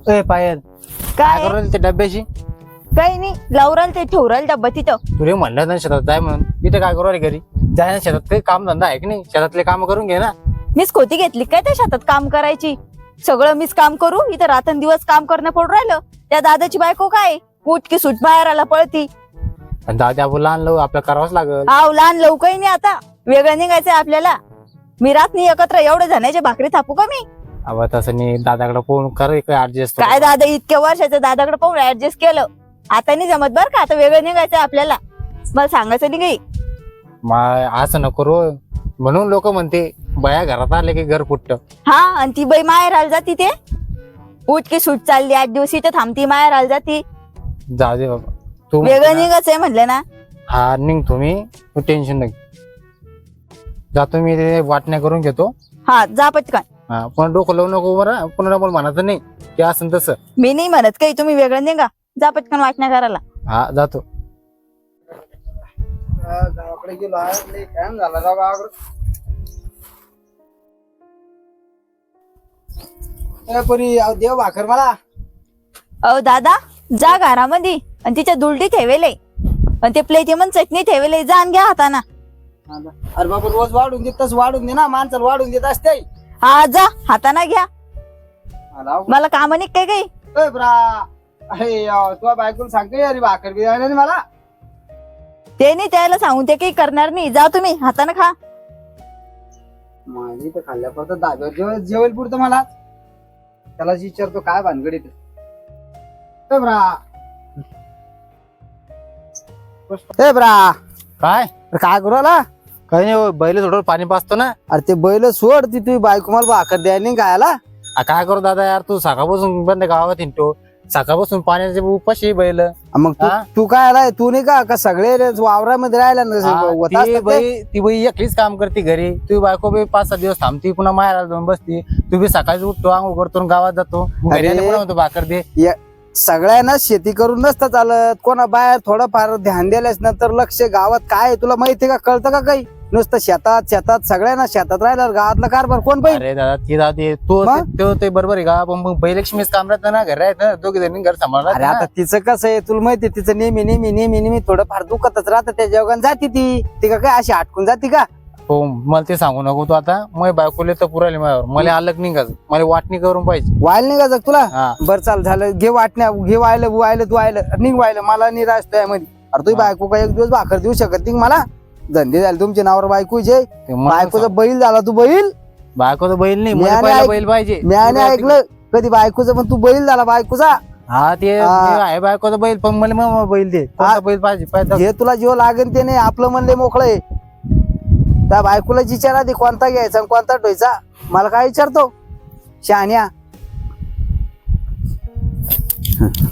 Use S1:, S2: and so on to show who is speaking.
S1: पायल
S2: काय
S1: करू राहिली त्या डब्याची?
S2: काही नाही लावराल ते ठेवराल डब्बा तिथं.
S1: तुला म्हणलं ना शेतात जाय म्हणून, इथे काय करू राहिली घरी? जाय ना शेतात, काही काम धंदा आहे की नाही? शेतातले काम करून घे ना.
S2: मीच खोती घेतली काय त्या शेतात काम करायची? सगळं मीच काम करू इथं रात्रंदिवस काम करणं पडून राहिलं. त्या दादाची बायको काय उठ की सुट बाहेर आला पळती.
S1: आणि दादा आपण लहान लव आपल्याला करावंच लागल.
S2: हाव लहान लवकरही नाही आता वेगळं निघायचंय आपल्याला. मी रात नाही एकत्र एवढे जणांच्या भाकरी थापू का मी?
S1: अव तसं नाही, दादाकडे फोन कर ऍडजस्ट.
S2: काय दादा इतक्या वर्षाच्या दादाकडे पाहून ऍडजस्ट केलं. आता नाही जमत बरं का, आता वेगळं निघायचंय आपल्याला. मला सांगायचं नाही काही.
S1: असं नको रो, म्हणून लोक म्हणते बया घरात आले की घर फुटत.
S2: हा आणि ती बाई माहेर आल जाती ते उठ की सूट चालली 8 दिवस इथं थांबती माहेर आल जाती.
S1: जाऊ दे बाबा, तू
S2: वेगळं निघायचंय म्हणलं ना.
S1: हा निघ तुम्ही, तू टेन्शन नाही. जातो मी, ते वाटण्या करून घेतो.
S2: हा जा पटकन.
S1: हा पण डोकं लावू नको बरं, पुन्हा मला म्हणायचं नाही की असं तसं.
S2: मी नाही म्हणत काही, तुम्ही वेगळं निघा. जा पटकन वाटण्या करायला.
S1: हा जातो.
S3: गावाकडे गेलो आहे, टाइम झाला राव गावाकडे. परी देव भाकर मला.
S2: अहो दादा जा घरामध्ये आणि तिच्या दुलटी ठेवेले आणि ते प्लेटी मग चटणी ठेवेले, जा आणि घ्या हाताना.
S3: अरे बाबा रोज वाढून देत तस वाढून दे ना, माणसाला वाढून देत असते.
S2: हा जा हाताना घ्या. मला काम नाही काय काही.
S3: अरे तुझ्या बायकोला सांगते अरे भाकर बी नाही मला.
S2: ते नाही त्याला सांगून ते काही करणार नाही. जा तुम्ही हाताने खा.
S3: माझी तर खाल्ल्यापर्यंत दाब्यावर जेवेल पुरतं मला. त्याला विचारतो काय भानगडीत.
S1: काय
S3: काय करू आला?
S1: काही नाही हो, बैल थोडं पाणी पाचतो ना.
S3: अरे ते बैल सोड, ती तुझी बायको मला भाकर द्यायला नाही खायला.
S1: काय करू दादा यार, तू सकाळपासून बंद गावात हिंडतो, सकाळपासून पाण्याचे उपाशी बैल.
S3: मग तू काय आलाय? तू नाही का सगळे वावरामध्ये राहिला
S1: ती बाई एकलीच काम करते घरी. तू बायको बी 5-6 दिवस थांबती, पुन्हा माहेराला जाऊन बसती. तू बी सकाळी उठतो, आंघोळ करतो, गावात जातो, घरी आले पुन्हा म्हणतो भाकर दे.
S3: सगळ्यांना शेती करून नसतं चालत. कोणा बाहेर थोडंफार ध्यान दिल्यास नंतर लक्ष गावात काय तुला माहितीये का, कळतं का काही? नुसतं शेतात सगळ्यांना शेतात राहिला गावातला कारभार कोण पाहिजे?
S1: अरे दादा ती दादी तो ते बरोबर आहे का, पण मग बैलक्ष्मीच काम राहतं ना, घर राहतं, दोघे जणी घर सांभाळणार.
S3: अरे आता तिचं कसं आहे तुला माहितीये, तिचं नेहमी थोडंफार दुखतच राहतं. त्या जेवण जाती ती का काय अशी हटकून जाती का?
S1: हो मला ते सांगू नको तू आता. मग बायकोले तर पुराले माझ्यावर, मला अलग निघायचं, मला वाटणी करून पाहिजे.
S3: वायल नाही का तुला?
S1: हा
S3: बरं चाल झालं, घे वाटण्या, घे वायलं तू निघ वायलं. मला निराश मध्ये. अरे तुझी बायको का एक दिवस भाकर देऊ शकत नाही मला? धंदे झाले तुमचे नावावर बायकोचे. बायकोचा बैल झाला तू बैल.
S1: बायकोचा बैल नाही,
S3: म्याने
S1: मला बैल पाहिजे.
S3: मी ऐकलं कधी बायकोचं, पण तू बैल झाला बायकोचा.
S1: हा ते आहे बायकोचा बैल, पण मला मग बैल दे. कोणता बैल पाहिजे?
S3: हे तुला जीव लागेल ते नाही, आपलं म्हणले मोकळं आहे. त्या बायकोला विचारा दे कोणता घ्यायचा कोणता ठेवायचा. मला काय विचारतो शहाण्या?